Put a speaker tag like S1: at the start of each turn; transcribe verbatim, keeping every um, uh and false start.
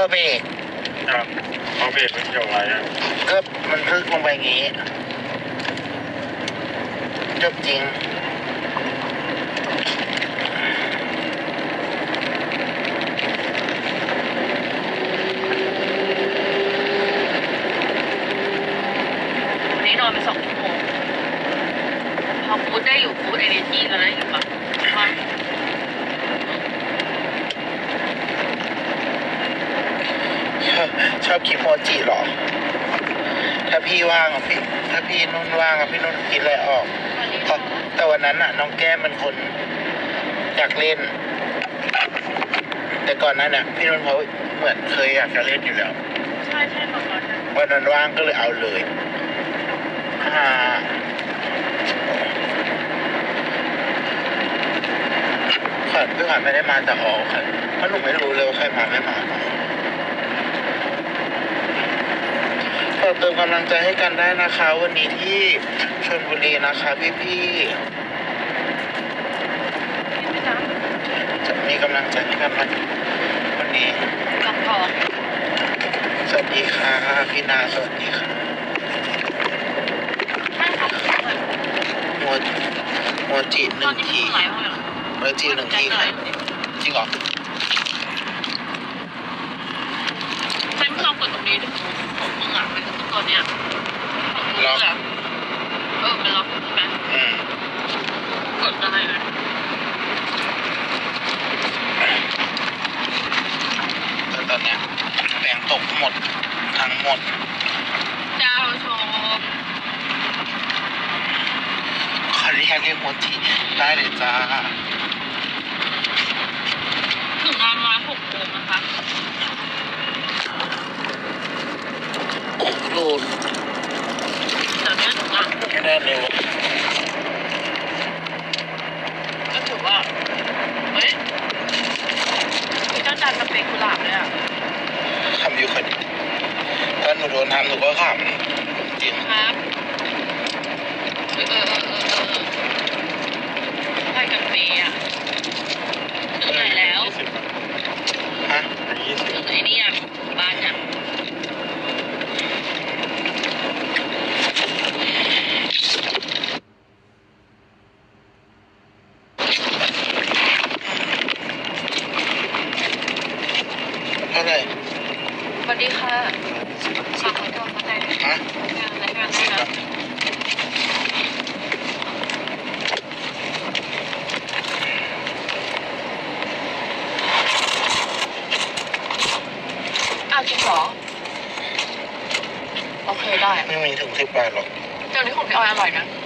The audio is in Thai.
S1: อเบรก
S2: ครับพอเบรกมันเกี่ยวอะไรอ่ะ
S1: ก็มันพึกลงไปอย่างงี้จบจริง
S3: วันนี้นอนไปสองชั่วโมงพอพูดได้อยู่พูดเอเนจีแล้วนะอยู่ปะว่า
S1: ชอบชอบคิดโมจิเหรอถ้าพี่ว่างอะพี่ถ้าพี่นุ่นว่างอะพี่นุ่นคิดอะไรออก
S3: วันนี้
S1: เพราะแต่วันนั้นอะน้องแก้มเป็นคนอยากเล่น แต่ก่อนนั้นอะพี่นุ่นเขาเหมือนเคยอยากจะเล่นอยู่แล้ว
S3: ใช่ใช่ประมาณนั้น
S1: วันนั้นว่างก็เลยเอาเลยอ่าขวัญพี่ขวัญไม่ได้มาแต่ออกค่ะเพราะหนูไม่รู้เลยว่าใครมาไม่มาฝากเติมกำลังใจให้กันได้นะคะ วันนี้ที่ชลบุรีนะคะพี่พี่
S3: พี่จ๊ะ
S1: ๆจะมีกำลังใจให้กันไหมวันนี้
S3: ลองทอง
S1: สวัสดีค่ะพี่นาสวัสดีค่ะ
S3: ไม่ทำเลย
S1: โมโมจิห
S3: ตอ
S1: นึ่
S3: น
S1: ง
S3: นี้
S1: ที
S3: พี่ไหลมาแล้ว
S1: โมจิหนึ่งทีค่ะจริงเหรอ
S3: ฉันลองกดตรงนี้ดูของมึงอ่ะเป็นตัวเนี้ยล็อกเออเป็นล็อกใช่ไหม
S1: อืม
S3: กดได้เลย
S1: แต่ตอนเนี้ยแบงค์ตกหมดทั้งหมด
S3: เจ้าชม
S1: ขออนุญาตเรียกโมจิได้เลยจ้า
S3: ถึงงานมาหกโมงนะคะ
S1: โดน
S3: เดี๋ยวนี้ถึงงาน
S1: ไม่ได้เร็ว
S3: ก็ถือว่าเฮ้ยมีเจ้าจานสเปกกุหลาบเลยอ่ะ
S1: ทำอยู่คนถ้าหนูโดนทำหนูก็ขำจริง
S3: ครับเออเออเออเออเออไปกับเมย์อ่ะถึงไหนแล้ว
S2: ยี่สิบ
S1: ฮะ
S2: ยี่สิบ
S3: ถึงไอ้นี่ยังบ้านยัง
S1: เท่าไหร่
S3: สวัสดีค่ะฝากขอตัวมาได้
S1: ฮะ
S3: งานอะไรงานอะไรนะอ้าวจริงเหรอโอเคได้
S1: ไม่มีถึงสิบบาทหรอก
S3: เดี๋ยวนี้ของพี่ออยอร่อยนะ